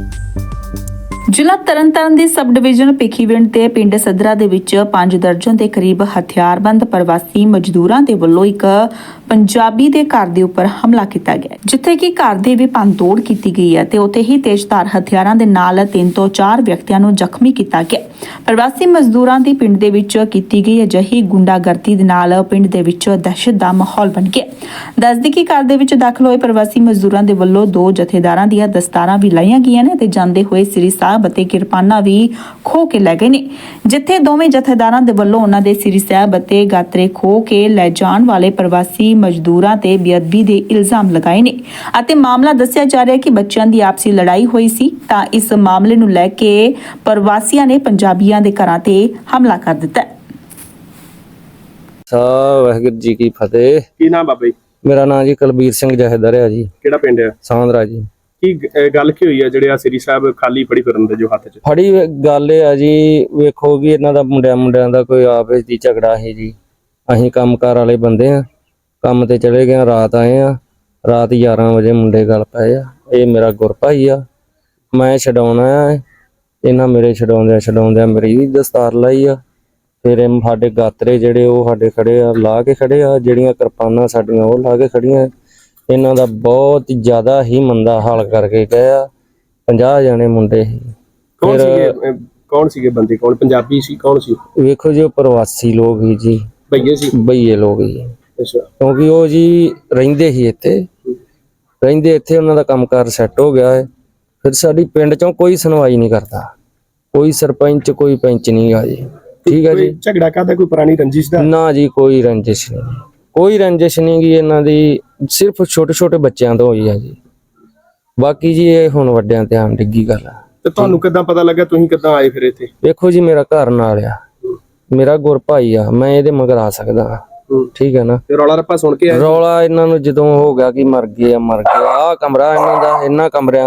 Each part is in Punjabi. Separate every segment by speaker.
Speaker 1: ਜ਼ਿਲ੍ਹਾ ਤਰਨਤਾਰਨ ਦੇ ਸਬ ਡਿਵੀਜ਼ਨ ਭਿੱਖੀਵਿੰਡ ਤੇ ਪਿੰਡ ਸਦਰਾ ਦੇ ਵਿੱਚ 5 ਦਰਜਨ ਦੇ ਕਰੀਬ ਹਥਿਆਰਬੰਦ ਪ੍ਰਵਾਸੀ ਮਜ਼ਦੂਰਾਂ ਦੇ ਵੱਲੋਂ ਇੱਕ ਪੰਜਾਬੀ ਦੇ ਘਰ ਦੇ ਉੱਪਰ ਹਮਲਾ ਕੀਤਾ ਗਿਆ, ਜਿੱਥੇ ਕਿ ਘਰ ਦੇ ਵੀ ਭੰਨਤੋੜ ਕੀਤੀ ਗਈ ਹੈ ਤੇ ਉੱਥੇ ਹੀ ਤੇਜ਼ਧਾਰ ਹਥਿਆਰਾਂ ਦੇ ਨਾਲ 3 ਤੋਂ 4 ਵਿਅਕਤੀਆਂ ਨੂੰ ਜ਼ਖਮੀ ਕੀਤਾ ਗਿਆ। ਪ੍ਰਵਾਸੀ ਮਜ਼ਦੂਰਾਂ ਦੀ ਪਿੰਡ ਦੇ ਵਿੱਚ ਕੀਤੀ ਗਈ ਅਜਿਹੀ ਗੁੰਡਾਗਰਦੀ ਦੇ ਨਾਲ ਪਿੰਡ ਦੇ ਵਿੱਚ ਦਹਿਸ਼ਤ ਦਾ ਮਾਹੌਲ ਬਣ ਗਿਆ। ਦੱਸਦੀ ਕਿ ਘਰ ਦੇ ਵਿੱਚ ਦਾਖਲ ਹੋਏ ਪ੍ਰਵਾਸੀ ਮਜ਼ਦੂਰਾਂ ਦੇ ਵੱਲੋਂ 2 ਜਥੇਦਾਰਾਂ ਦੀਆਂ ਦਸਤਾਰਾਂ ਵੀ ਲਾਈਆਂ ਗਈਆਂ ਨੇ ਤੇ ਜਾਂਦੇ ਹੋਏ ਸ੍ਰੀ ਸਾਹਿਬ ਅਤੇ ਕਿਰਪਾਨਾਂ ਵੀ ਖੋਹ ਕੇ ਲੈ ਗਏ ਨੇ, ਜਿੱਥੇ ਦੋਵੇਂ ਜਥੇਦਾਰਾਂ ਦੇ ਵੱਲੋਂ ਉਹਨਾਂ ਦੇ ਸ੍ਰੀ ਸਾਹਿਬ ਅਤੇ ਗਾਤਰੇ ਖੋਹ ਕੇ ਲੈ ਜਾਣ ਵਾਲੇ ਪ੍ਰਵਾਸੀ ਮਜ਼ਦੂਰਾਂ ਤੇ ਬੇਅਦਬੀ ਦੇ ਇਲਜ਼ਾਮ ਲਗਾਏ ਨੇ ਅਤੇ ਮਾਮਲਾ ਦੱਸਿਆ ਜਾ ਰਿਹਾ ਹੈ ਕਿ ਬੱਚਿਆਂ ਦੀ ਆਪਸੀ ਲੜਾਈ ਹੋਈ ਸੀ ਤਾਂ ਇਸ ਮਾਮਲੇ ਨੂੰ ਲੈ ਕੇ ਪ੍ਰਵਾਸੀਆਂ ਨੇ ਪੰਜਾਬੀਆਂ ਦੇ ਘਰਾਂ ਤੇ ਹਮਲਾ ਕਰ ਦਿੱਤਾ।
Speaker 2: ਵਾਹਿਗੁਰੂ ਜੀ ਕੀ ਫਤਿਹ।
Speaker 3: ਕੀ ਨਾਮ ਬਾਬਾ ਜੀ?
Speaker 2: ਮੇਰਾ ਨਾਮ ਜੀ ਕੁਲਬੀਰ ਸਿੰਘ ਜਹੇਦਾਰ ਹੈ ਜੀ।
Speaker 3: ਕਿਹੜਾ ਪਿੰਡ ਹੈ?
Speaker 2: ਸਾਂਦਰਾ ਜੀ।
Speaker 3: ਕੀ ਗੱਲ ਕੀ ਹੋਈ ਹੈ ਜਿਹੜੇ ਆ ਸ੍ਰੀ ਸਾਹਿਬ ਖਾਲੀ ਫੜੀ ਫਿਰਨ ਦੇ ਜੋ ਹੱਥ 'ਚ
Speaker 2: ਫੜੀ ਗੱਲ ਇਹ ਆ ਜੀ, ਵੇਖੋ ਵੀ ਇਹਨਾਂ ਦਾ ਮੁੰਡਿਆਂ ਦਾ ਕੋਈ ਆਪਸ ਦੀ ਝਗੜਾ ਹੈ ਜੀ। ਅਸੀਂ ਕੰਮਕਾਰ ਵਾਲੇ ਬੰਦੇ ਆ, ਕੰਮ ਤੇ ਚਲੇ ਗਏ, ਰਾਤ ਆਏ ਆ, ਰਾਤ 11 ਵਜੇ ਮੁੰਡੇ ਗੱਲ ਪਏ ਆ। ਇਹ ਮੇਰਾ ਗੁਰਭਾਈ ਆ, ਮੈਂ ਛਡਾਉਣਾ ਆ, ਇਹਨਾਂ ਮੇਰੇ ਛਡਾਉਂਦਿਆਂ ਮੇਰੀ ਵੀ ਦਸਤਾਰ ਲਾਈ ਆ। ਫਿਰ ਸਾਡੇ ਗਾਤਰੇ ਜਿਹੜੇ ਉਹ ਸਾਡੇ ਖੜੇ ਆ, ਲਾ ਕੇ ਖੜੇ ਆ, ਜਿਹੜੀਆਂ ਕਿਰਪਾਨਾਂ ਸਾਡੀਆਂ ਉਹ ਲਾ ਕੇ ਖੜੀਆਂ। ਇਹਨਾਂ ਦਾ ਬਹੁਤ ਜ਼ਿਆਦਾ ਹੀ ਮੰਦਾ ਹਾਲ ਕਰਕੇ ਗਏ ਆ। 50 ਜਣੇ ਮੁੰਡੇ ਸੀ।
Speaker 3: ਕੌਣ ਸੀਗੇ ਬੰਦੇ? ਕੌਣ ਪੰਜਾਬੀ ਸੀ? ਕੌਣ ਸੀ?
Speaker 2: ਵੇਖੋ ਜੀ, ਉਹ ਪ੍ਰਵਾਸੀ ਲੋਕ ਹੀ ਜੀ,
Speaker 3: ਭਈਏ ਸੀ?
Speaker 2: ਬਈਏ ਲੋਕ ਹੀ।
Speaker 3: ਅੱਛਾ।
Speaker 2: ਕਿਉਂਕਿ ਉਹ ਜੀ ਰਹਿੰਦੇ ਹੀ ਇੱਥੇ ਉਹਨਾਂ ਦਾ ਕੰਮਕਾਰ ਸੈੱਟ ਹੋ ਗਿਆ ਹੈ। ਫਿਰ ਸਾਡੀ ਪਿੰਡ ਚੋਂ ਕੋਈ ਸੁਣਵਾਈ ਨਹੀਂ ਕਰਦਾ, ਕੋਈ ਸਰਪੰਚ ਕੋਈ ਪੰਚ ਨਹੀਂ ਆ ਜੀ। ਠੀਕ ਹੈ ਜੀ।
Speaker 3: ਝਗੜਾ ਕਾਹਦਾ? ਕੋਈ ਪੁਰਾਣੀ ਰੰਜਿਸ਼ ਦਾ? ਨਾ
Speaker 2: ਜੀ, ਕੋਈ ਰੰਜਿਸ਼ ਨਹੀਂ ਗੀ ਇਹਨਾਂ ਦੀ, ਸਿਰਫ ਛੋਟੇ ਬੱਚਿਆਂ ਤੋਂ ਹੋਈ ਆ ਜੀ। ਬਾਕੀ ਜੀ ਇਹ ਹੁਣ ਵੱਡਿਆਂ ਤੇ ਆਮ ਡਿੱਗੀ ਗੱਲ ਆ।
Speaker 3: ਤੇ ਤੁਹਾਨੂੰ ਕਿੱਦਾਂ ਪਤਾ ਲੱਗਾ? ਤੁਸੀਂ ਕਿੱਦਾਂ ਆਏ ਫਿਰ ਇੱਥੇ?
Speaker 2: ਵੇਖੋ ਜੀ, ਮੇਰਾ ਘਰ ਨਾਲ ਆ, ਮੇਰਾ ਗੁਰ ਭਾਈ ਆ, ਮੈਂ ਇਹਦੇ ਮਗਰ ਆ ਸਕਦਾ। ਠੀਕ ਹੈ ਨਾ।
Speaker 3: ਤੇ ਰੌਲਾ ਰੱਪਾ ਸੁਣ ਕੇ ਆਏ?
Speaker 2: ਰੌਲਾ ਇਹਨਾਂ ਨੂੰ ਜਦੋਂ ਹੋ ਗਿਆ ਕਿ ਮਰ ਗਏ ਆ ਕਮਰਾ ਇਹਨਾਂ ਦਾ, ਇਹਨਾਂ ਕਮਰਿਆਂ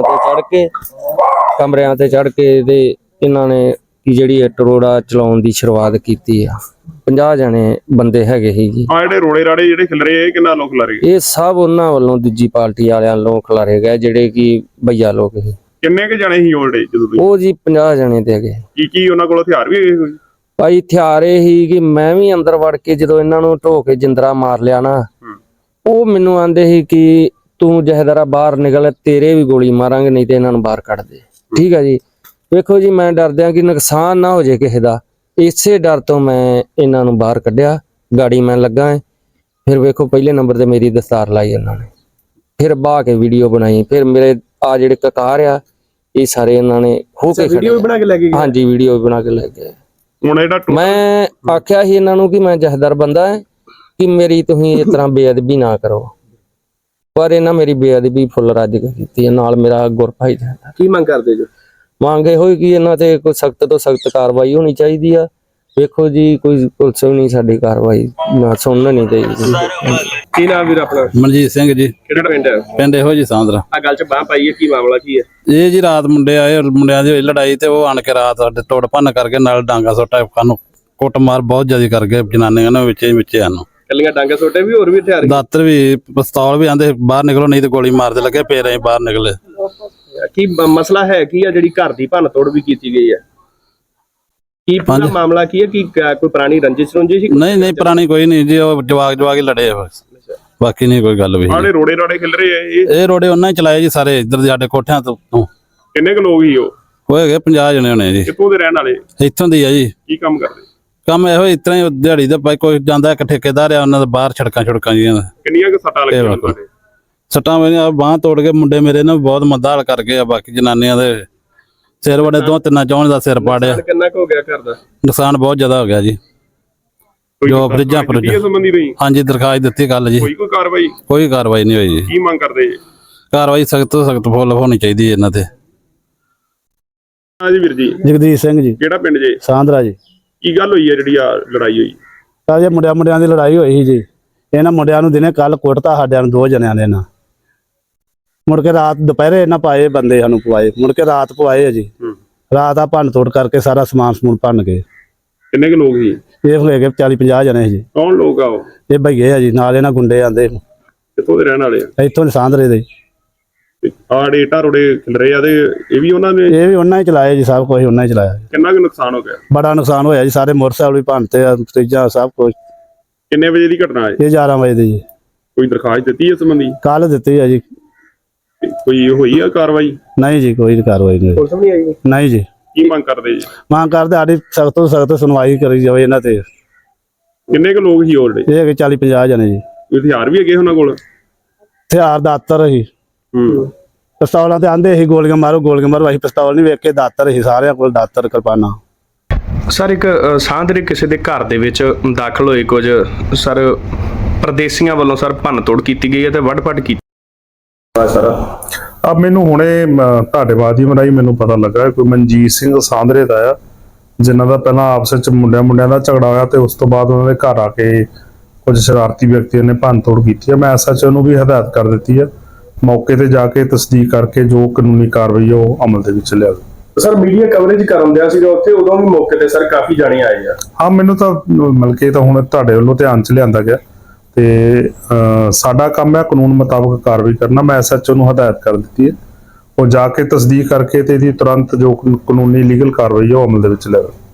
Speaker 2: ਤੇ ਚੜ ਕੇ ਤੇ ਇਹਨਾਂ ਨੇ ਜਿਹੜੀ ਇੱਟ ਰੋੜਾ ਚਲਾਉਣ ਦੀ ਸ਼ੁਰੂਆਤ ਕੀਤੀ ਆ। 50 ਜਣੇ ਬੰਦੇ ਹੈਗੇ ਸੀ ਜੀ।
Speaker 3: ਜਿਹੜੇ ਰੋੜੇ ਰਾੜੇ ਜਿਹੜੇ ਖਿਲ ਰਹੇ, ਕਿੰਨਾ ਲੋਕ ਖਿਲਾਰੇ?
Speaker 2: ਇਹ ਸਭ ਉਹਨਾਂ ਵੱਲੋਂ, ਦੂਜੀ ਪਾਰਟੀ ਵਾਲਿਆਂ ਵੱਲੋਂ ਖਿਲਾਰੇ ਗਏ, ਜਿਹੜੇ ਕਿ ਭਈਆ ਲੋਕ ਸੀ।
Speaker 3: ਕਿੰਨੇ ਕੁ ਜਣੇ ਸੀ ਜਦੋਂ
Speaker 2: ਉਹ ਜੀ 50 ਜਣੇ ਤੇ ਹੈਗੇ।
Speaker 3: ਕੀ ਉਹਨਾਂ ਕੋਲ ਹਥਿਆਰ ਵੀ ਹੈਗੇ?
Speaker 2: ਭਾਈ ਹਥਿਆਰ ਇਹ ਸੀ ਕਿ ਮੈਂ ਵੀ ਅੰਦਰ ਵੜ ਕੇ ਜਦੋਂ ਇਹਨਾਂ ਨੂੰ ਢੋ ਕੇ ਜਿੰਦਰਾ ਮਾਰ ਲਿਆ ਨਾ, ਉਹ ਮੈਨੂੰ ਆਂਦੇ ਸੀ ਕਿ ਤੂੰ ਜਹੇਦਾਰਾ ਬਾਹਰ ਨਿਕਲ, ਤੇਰੇ ਵੀ ਗੋਲੀ ਮਾਰਾਂਗੇ, ਨਹੀਂ ਤੇ ਇਹਨਾਂ ਨੂੰ ਬਾਹਰ ਕੱਢ ਦੇ। ਠੀਕ ਹੈ ਜੀ। ਵੇਖੋ ਜੀ, ਮੈਂ ਡਰਦਿਆਂ ਕਿ ਨੁਕਸਾਨ ਨਾ ਹੋ ਜਾਏ ਕਿਸੇ ਦਾ, ਇਸੇ ਡਰ ਤੋਂ ਮੈਂ ਇਹਨਾਂ ਨੂੰ ਬਾਹਰ ਕੱਢਿਆ। ਗਾੜੀ ਮੈਂ ਲੱਗਾ। ਫਿਰ ਵੇਖੋ, ਪਹਿਲੇ ਨੰਬਰ ਤੇ ਮੇਰੀ ਦਸਤਾਰ ਲਾਈ ਇਹਨਾਂ ਨੇ, ਫਿਰ ਬਾਹ ਕੇ ਵੀਡੀਓ ਬਣਾਈ। ਫਿਰ ਮੇਰੇ ਆ ਜਿਹੜੇ ਕਕਾਰ ਆ, ਇਹ ਸਾਰੇ ਇਹਨਾਂ ਨੇ ਖੋ ਕੇ
Speaker 3: ਵੀਡੀਓ ਬਣਾ ਕੇ ਲੈ ਗਏ?
Speaker 2: ਹਾਂਜੀ, ਵੀਡੀਓ ਬਣਾ ਕੇ ਲੈ ਗਏ। ਮੈਂ ਆਖਿਆ ਸੀ ਇਹਨਾਂ ਨੂੰ ਕਿ ਮੈਂ ਜਹੇਦਾਰ ਬੰਦਾ ਹੈ, ਕਿ ਮੇਰੀ ਤੁਸੀਂ ਇਸ ਤਰ੍ਹਾਂ ਬੇਅਦਬੀ ਨਾ ਕਰੋ, ਪਰ ਇਹਨਾਂ ਮੇਰੀ ਬੇਅਦਬੀ ਫੁੱਲ ਰੱਜ ਕੇ ਕੀਤੀ ਹੈ। ਨਾਲ ਮੇਰਾ ਗੁਰਭਾਈ ਦਾ।
Speaker 3: ਕੀ ਮੰਗ ਕਰਦੇ ਜੋ?
Speaker 2: ਮੰਗੇ ਹੋਈ ਕਿ ਇਹਨਾਂ ਤੇ ਕੋਈ ਸਖਤ ਤੋਂ ਸਖਤ ਕਾਰਵਾਈ ਹੋਣੀ ਚਾਹੀਦੀ ਆ। ਵੇਖੋ ਜੀ, ਕੋਈ ਪੁਲਿਸ ਵੀ ਨਹੀਂ ਸਾਡੀ ਕਾਰਵਾਈ ਨਾ ਸੁਣਨਾ ਨਹੀਂ ਚਾਹੀਦੀ।
Speaker 3: ਕੀ ਨਾਮ ਵੀਰ ਆਪਣਾ?
Speaker 4: ਮਨਜੀਤ ਸਿੰਘ ਜੀ।
Speaker 3: ਕਿਹੜਾ ਪਿੰਡ ਹੈ?
Speaker 4: ਪਿੰਡ ਇਹੋ ਜੀ ਸਾਂਦਰਾ।
Speaker 3: ਆ ਗੱਲ 'ਚ ਬਾਹ ਪਾਈ ਹੈ, ਕੀ ਮਾਮਲਾ ਕੀ ਹੈ?
Speaker 4: ਇਹ ਜੀ ਰਾਤ ਮੁੰਡੇ ਆਏ, ਮੁੰਡਿਆਂ ਦੀ ਹੋਈ ਲੜਾਈ ਤੇ ਉਹ ਆਣ ਕੇ ਰਾਤ ਸਾਡੇ ਤੋੜ ਭੰਨ ਕਰਕੇ ਨਾਲ ਡਾਂਗਾ ਸੋਟਾ ਸਾਨੂੰ ਕੁੱਟਮਾਰ ਬਹੁਤ ਜ਼ਿਆਦਾ ਕਰ ਗਏ। ਜਨਾਨੀਆਂ ਨੇ ਵਿੱਚੇ ਸਾਨੂੰ
Speaker 3: ਕੱਲੀਆਂ ਡਾਂਗਾ ਸੋਟੇ ਵੀ, ਹੋਰ ਵੀ ਹਥਿਆਰ?
Speaker 4: ਦਾਤਰ ਵੀ, ਪਿਸਤੌਲ ਵੀ। ਆਂਦੇ ਬਾਹਰ ਨਿਕਲੋ ਨਹੀਂ ਤੇ ਗੋਲੀ ਮਾਰਦੇ ਲੱਗੇ, ਫੇਰ ਅਸੀਂ ਬਾਹਰ ਨਿਕਲੇ।
Speaker 3: ਕੀ ਮਸਲਾ ਹੈ? ਕੀ ਆ ਜਿਹੜੀ ਘਰ ਦੀ ਭੰਨ ਤੋੜ ਵੀ ਕੀਤੀ ਗਈ ਹੈ? ਕੀ ਪੂਰਾ ਮਾਮਲਾ ਕੀ ਹੈ? ਕੀ ਕੋਈ ਪੁਰਾਣੀ ਰੰਜਿਸ਼ ਸੀ?
Speaker 4: ਨਹੀਂ ਪੁਰਾਣੀ ਕੋਈ ਨਹੀਂ ਜੀ, ਉਹ ਜਵਾਕ ਹੀ ਲੜੇ ਆ ਬਸ, ਬਾਕੀ ਨਹੀਂ ਕੋਈ ਗੱਲ ਵੀ।
Speaker 3: ਆਲੇ ਰੋੜੇ ਰਾੜੇ ਖਿਲ ਰਹੇ ਆ?
Speaker 4: ਇਹ ਰੋੜੇ ਉਹਨਾਂ ਹੀ ਚਲਾਏ ਜੀ ਸਾਰੇ, ਇੱਧਰ ਦੇ ਸਾਡੇ ਕੋਠਿਆਂ ਤੋਂ।
Speaker 3: ਕਿੰਨੇ ਕੁ ਲੋਕ ਹੀ ਉਹ
Speaker 4: ਹੈਗੇ 50 ਜਣੇ ਹੋਣੇ ਜੀ।
Speaker 3: ਕਿੱਥੋਂ ਦੇ ਰਹਿਣ ਵਾਲੇ?
Speaker 4: ਇੱਥੋਂ ਦੀ ਆ ਜੀ।
Speaker 3: ਕੀ ਕੰਮ ਕਰਦੇ?
Speaker 4: ਕੰਮ ਇਹੋ ਇਸ ਤਰ੍ਹਾਂ ਹੀ ਦਿਹਾੜੀ ਦਾ, ਭਾਈ ਕੋਈ ਜਾਂਦਾ ਇੱਕ ਠੇਕੇਦਾਰ ਆ, ਉਹਨਾਂ ਦੇ ਬਾਹਰ ਛੜਕਾਂ ਜੀਆਂ।
Speaker 3: ਕਿੰਨੀਆਂ ਕੁ ਸੱਟਾਂ ਲੱਗੀਆਂ ਤੁਹਾਡੇ?
Speaker 4: ਸੱਟਾਂ ਮੇਰੀਆਂ ਬਾਂਹ ਤੋੜ ਕੇ ਮੁੰਡੇ ਮੇਰੇ ਨੇ ਬਹੁਤ ਮੰਦਾ ਹਾਲ ਕਰ ਗਏ ਆ। ਬਾਕੀ ਜਨਾਨੀਆਂ ਦੇ ਸਿਰ ਵੜੇ, 2-3 ਚੌਣ ਦਾ ਸਿਰ ਪਾੜਿਆ।
Speaker 3: ਕਿੰਨਾ ਕੁ ਹੋ ਗਿਆ ਘਰ ਦਾ
Speaker 4: ਨੁਕਸਾਨ? ਬਹੁਤ ਜ਼ਿਆਦਾ ਹੋ ਗਿਆ ਜੀ। ਜੋ ਫਰਿੱਜਾਂ
Speaker 3: ਸੰਬੰਧੀ ਰਹੀ?
Speaker 4: ਹਾਂਜੀ, ਦਰਖਾਸਤ ਦਿੱਤੀ ਕੱਲ ਜੀ।
Speaker 3: ਕੋਈ ਕਾਰਵਾਈ?
Speaker 4: ਕੋਈ ਕਾਰਵਾਈ ਨਹੀਂ ਹੋਈ ਜੀ।
Speaker 3: ਕੀ ਮੰਗ ਕਰਦੇ ਜੀ?
Speaker 4: ਕਾਰਵਾਈ ਸਖਤ ਤੋਂ ਸਖਤ ਫੁੱਲ ਹੋਣੀ ਚਾਹੀਦੀ ਇਹਨਾਂ ਤੇ।
Speaker 3: ਹਾਂਜੀ ਵੀਰ ਜੀ।
Speaker 5: ਜਗਦੀਸ਼ ਸਿੰਘ ਜੀ।
Speaker 3: ਕਿਹੜਾ ਪਿੰਡ ਜੀ?
Speaker 5: ਸਾਂਦਰਾ ਜੀ।
Speaker 3: ਕੀ ਗੱਲ ਹੋਈ ਹੈ ਜਿਹੜੀ ਆ ਲੜਾਈ ਹੋਈ?
Speaker 5: ਜੇ ਮੁੰਡਿਆਂ ਦੀ ਲੜਾਈ ਹੋਈ ਸੀ ਜੀ। ਇਹਨਾਂ ਮੁੰਡਿਆਂ ਨੂੰ ਦਿਨੇ ਕੱਲ ਕੁੱਟਤਾ ਸਾਡਿਆਂ ਨੂੰ 2 ਜਣਿਆਂ ਦੇ ਨਾਲ। ਮੁੜ ਕੇ ਰਾਤ ਦੁਪਹਿਰੇ ਇਹਨਾਂ ਪਾਏ ਬੰਦੇ ਸਾਨੂੰ ਪਵਾਏ, ਮੁੜ ਕੇ ਰਾਤ ਪਵਾਏ ਆ ਜੀ। ਰਾਤ ਆ ਭੰਨ ਤੋੜ ਕਰਕੇ ਸਾਰਾ ਸਮਾਨ ਭੰਨ ਗਏ।
Speaker 3: ਕਿੰਨੇ ਕੁ ਲੋਕ ਸੀ?
Speaker 5: ਇਹ ਹੋਏ ਗਏ 40-50 ਜਣੇ ਜੀ।
Speaker 3: ਕੌਣ ਲੋਕ ਆ ਉਹ?
Speaker 5: ਇਹ ਭਈਏ ਆ ਜੀ, ਨਾਲ ਇਹਨਾਂ ਗੁੰਡੇ ਆਂਦੇ।
Speaker 3: ਕਿੱਥੋਂ ਦੇ ਰਹਿਣ ਵਾਲੇ ਆ?
Speaker 5: ਇੱਥੋਂ ਸਾਂਦਰੇ ਦੇ।
Speaker 6: ਆੜੇ ਇੱਟਾਂ ਰੋੜੇ ਖਿਲ ਰਹੇ ਆ ਤੇ ਇਹ ਵੀ ਉਹਨਾਂ ਨੇ
Speaker 5: ਇਹ ਵੀ ਉਹਨਾਂ ਹੀ ਚਲਾਏ ਜੀ, ਸਭ ਕੁਝ ਉਹਨਾਂ ਹੀ ਚਲਾਇਆ ਜੀ।
Speaker 6: ਕਿੰਨਾ ਕੁ ਨੁਕਸਾਨ ਹੋ ਗਿਆ?
Speaker 5: ਬੜਾ ਨੁਕਸਾਨ ਹੋਇਆ ਜੀ, ਸਾਰੇ ਮੋਟਰਸਾਈਕਲ ਵੀ ਭੰਨਤੇ ਆ, ਫਰਿੱਜਾਂ ਸਭ ਕੁਝ।
Speaker 6: ਕਿੰਨੇ ਵਜੇ ਦੀ ਘਟਨਾ ਹੈ?
Speaker 5: ਇਹ 11 ਵਜੇ ਦੀ ਜੀ,
Speaker 6: ਕੋਈ ਦਰਖਾਸਤ ਦਿੱਤੀ ਇਸ ਸੰਬੰਧੀ?
Speaker 5: ਕੱਲ ਦਿੱਤੀ ਆ ਜੀ।
Speaker 6: ਕੋਈ ਹੋਈ ਆ ਕਾਰਵਾਈ?
Speaker 5: ਨਹੀਂ ਜੀ, ਕੋਈ ਕਾਰਵਾਈ ਨਹੀਂ।
Speaker 3: ਪੁਲਿਸ ਵੀ ਨਹੀਂ ਆਈ?
Speaker 5: ਨਹੀਂ ਜੀ,
Speaker 6: ਕੀ ਮੰਗ ਕਰਦੇ ਜੀ?
Speaker 5: ਮੰਗ ਕਰਦੇ ਸਾਡੀ ਸਖਤ ਤੋਂ ਸਖਤ ਸੁਣਵਾਈ ਕਰੀ ਜਾਵੇ ਇਹਨਾਂ ਤੇ।
Speaker 6: ਕਿੰਨੇ ਕੁ ਲੋਕ ਸੀ ਹੋਰ?
Speaker 5: ਇਹ ਹੈਗੇ 40-50 ਜਣੇ ਜੀ।
Speaker 6: ਕੋਈ ਹਥਿਆਰ ਵੀ ਹੈਗੇ ਉਹਨਾਂ ਕੋਲ?
Speaker 5: ਹਥਿਆਰ ਦਾਤਰ ਸੀ, ਪਿਸਤੌਲਾਂ ਤੇ ਆਂਦੇ ਸੀ ਗੋਲੀਆਂ ਮਾਰੋ ਗੋਲੀਆਂ ਮਾਰੋ, ਅਸੀਂ ਪਿਸਤੌਲ ਨਹੀਂ ਵੇਖ ਕੇ ਦਾਤਰ ਸੀ ਸਾਰਿਆਂ ਕੋਲ, ਦਾਤਰ ਕਿਰਪਾਨਾਂ।
Speaker 3: ਸਰ ਇੱਕ ਸਾਂਦਰੇ ਕਿਸੇ ਦੇ ਘਰ ਦੇ ਵਿੱਚ ਦਾਖਲ ਹੋਏ ਕੁਝ ਸਰ ਪਰਦੇਸੀਆਂ ਵੱਲੋਂ ਸਰ ਭੰਨ ਤੋੜ ਕੀਤੀ ਗਈ ਹੈ ਤੇ ਵੱਢ-ਪੱਟ ਕੀਤੀ ਸਰ।
Speaker 7: अब मैनू हुणे ਤੁਹਾਡੇ ਮਾਧਿਅਮ ਰਾਹੀਂ ਮੈਨੂੰ ਪਤਾ ਲੱਗਾ ਕੋਈ ਮਨਜੀਤ ਸਿੰਘ ਸਾਂਦਰੇ ਦਾ ਆ, ਜਿਨ੍ਹਾਂ ਦਾ ਪਹਿਲਾਂ ਆਪਸ ਵਿੱਚ ਮੁੰਡਿਆਂ ਦਾ ਝਗੜਾ ਹੋਇਆ ਤੇ ਉਸ ਤੋਂ ਬਾਅਦ ਉਹਨਾਂ ਦੇ ਘਰ ਆ ਕੇ ਕੁਝ ਸ਼ਰਾਰਤੀ ਵਿਅਕਤੀਆਂ ਨੇ ਭੰਨ ਤੋੜ ਕੀਤੀ ਹੈ। ਮੈਂ ਐਸਐਚਓ ਨੂੰ ਵੀ ਹਦਾਇਤ ਕਰ ਦਿੱਤੀ ਹੈ, ਮੌਕੇ ਤੇ ਜਾ ਕੇ ਤਸਦੀਕ ਕਰਕੇ ਜੋ ਕਾਨੂੰਨੀ ਕਾਰਵਾਈ ਹੈ ਉਹ ਅਮਲ ਦੇ ਵਿੱਚ ਲਿਆਵੇ।
Speaker 3: ਸਰ ਮੀਡੀਆ ਕਵਰੇਜ ਕਰਨ ਦਿਆ ਸੀਗਾ ਉੱਥੇ, ਉਦੋਂ ਵੀ ਮੌਕੇ ਤੇ ਸਰ ਕਾਫੀ ਜਾਣੇ ਆਏ ਆ।
Speaker 7: ਹਾਂ, ਮੈਨੂੰ ਤਾਂ ਮਿਲ ਕੇ ਤਾਂ ਹੁਣ ਤੁਹਾਡੇ ਵੱਲੋਂ ਧਿਆਨ 'ਚ ਲਿਆਂਦਾ ਗਿਆ ਤੇ ਸਾਡਾ ਕੰਮ ਹੈ ਕਾਨੂੰਨ ਮੁਤਾਬਕ ਕਾਰਵਾਈ ਕਰਨਾ। ਮੈਂ ਐਸਐਚਓ ਨੂੰ ਹਦਾਇਤ ਕਰ ਦਿੱਤੀ ਹੈ, ਉਹ ਜਾ ਕੇ ਤਸਦੀਕ ਕਰਕੇ ਤੇ ਇਹਦੀ ਤੁਰੰਤ ਜੋ ਕਾਨੂੰਨੀ ਲੀਗਲ ਕਾਰਵਾਈ ਹੈ ਉਹ ਅਮਲ ਦੇ ਵਿੱਚ ਲਿਆਵੇ।